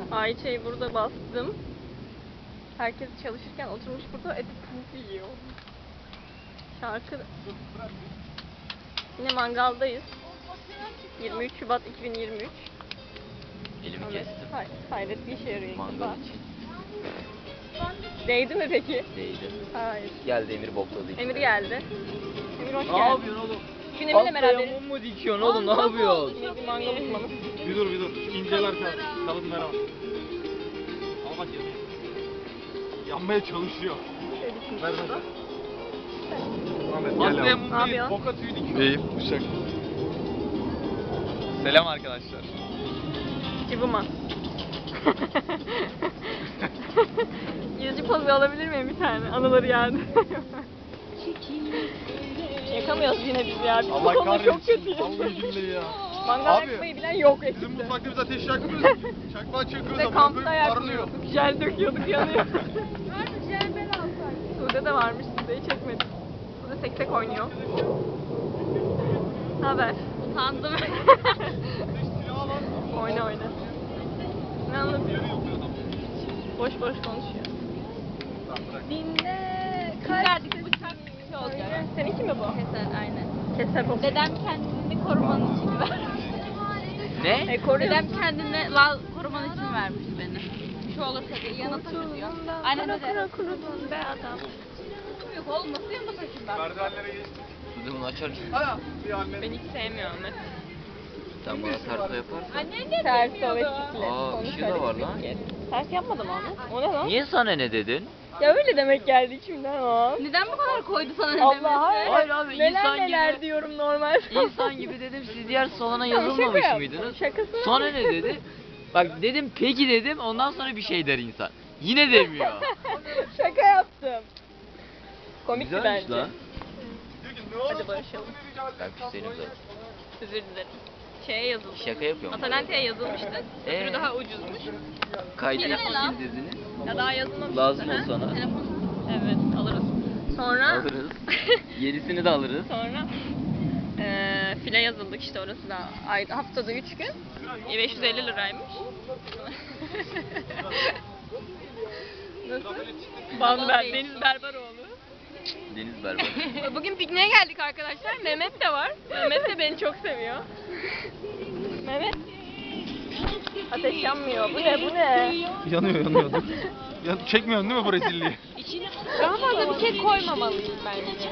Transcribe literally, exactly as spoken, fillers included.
Ayça'yı burada bastım. Herkes çalışırken oturmuş burada eti puf yiyor. Şarkı... Yine mangaldayız. yirmi üç Şubat iki bin yirmi üç. Elimi kestim. Hay hayret bir işe yarıyor. Mangal için. Değdi mi peki? Değdi. Hayır. Geldi Emir bokladı işte. Emir geldi. Emir hoş Ne geldin. yapıyorsun oğlum? Bugün Emir'le beraberiz. mum mu dikiyorsun oğlum, ne yapıyorsun? Emir bir mangal uzmanı. Bir dur bir dur. İnceler kalsın. Kalın merhaba. Al bak yanıyor. Yanmaya çalışıyor. Ver ver. Ahmet gel Aslı'ya yavrum. mum Ne yapıyorsun? Boka tüyü dikiyor. İyiyim, uşak. Selam arkadaşlar. Cıvıma. Yüzü pozu alabilir miyim bir tane? Anıları geldi. Yakamıyoruz yine biz ya. Biz bu Allah konuda çok kahretsin. kötüyüz. Vallahi billahi ya. Mangal Abi, yakmayı bilen yok Bizim ekipte. mutfakta biz ateş yakmıyoruz. Çakmağı çakıyoruz Biz de ama kampta böyle parlıyor. yakmıyorduk. Jel döküyorduk yanıyor. Sude de varmış, Sude'yi çekmedik. Sude seksek oynuyor. Ne haber? Utandım. oyna oyna. Ne anlatıyorsun? Boş boş konuşuyor. Dinle. Verdik bıçak şey olacak. Seninki mi bu? Keser aynen. Keser bu. Dedem kendini koruman için vermiş. Ne? E, koruyorsun. Dedem kendini lal koruman için vermiş beni. Bir şey olursa diye yanına taşıyor. Aynen öyle. Kara kurudun be adam. Yok oğlum nasıl yanına taşıyayım ben? Merdivenlere geçtik. Sude bunu açar mısın? Ha, bir anne. Ben hiç sevmiyorum Ahmet. Sen bana terso yaparsın. Annen de Ters o ve bilmiyordu. çiftle. Aa, Konuş ışığı da hadi var bir lan. kez. Ters yapmadım Ahmet. O ne lan? Niye sana ne dedin? Ya öyle demek geldi içimden o. Neden bu kadar koydu sana ne Allah demesi? hayır. Hayır abi, neler insan neler gibi- diyorum normal. İnsan gibi dedim, siz diğer salona Tamam, şaka yazılmamış yaptım. mıydınız? Şakasını Sonra yaptım. ne dedi? Bak dedim peki dedim, ondan sonra bir şey der insan. Yine demiyor. Şaka yaptım. Komikti Güzelmiş bence. lan. Diyor ki, ne olur, Hadi barışalım. Ben küserim zaten. Özür dilerim. Şeye yazıldı. Şaka yapıyorum. Atalante'ye yazılmıştı. Ee? Öbürü daha ucuzmuş. Kayıt Telefon. dediniz. Ya daha yazılmamıştı. Lazım ha? o sana. Evet alırız. Sonra Alırız. Yenisini de alırız. sonra eee file yazıldık işte orası da ay, haftada üç gün. E, beş yüz elli liraymış. Nasıl? Banber, Deniz Berberoğlu. Deniz berber. Bugün pikniğe geldik arkadaşlar. Mehmet de var. Mehmet de beni çok seviyor. Mehmet. Ateş yanmıyor. Bu ne? Bu ne? Yanıyor yanıyor. Ya, çekmiyorsun değil mi bu rezilliği? Daha fazla bir şey koymamalıyım bence.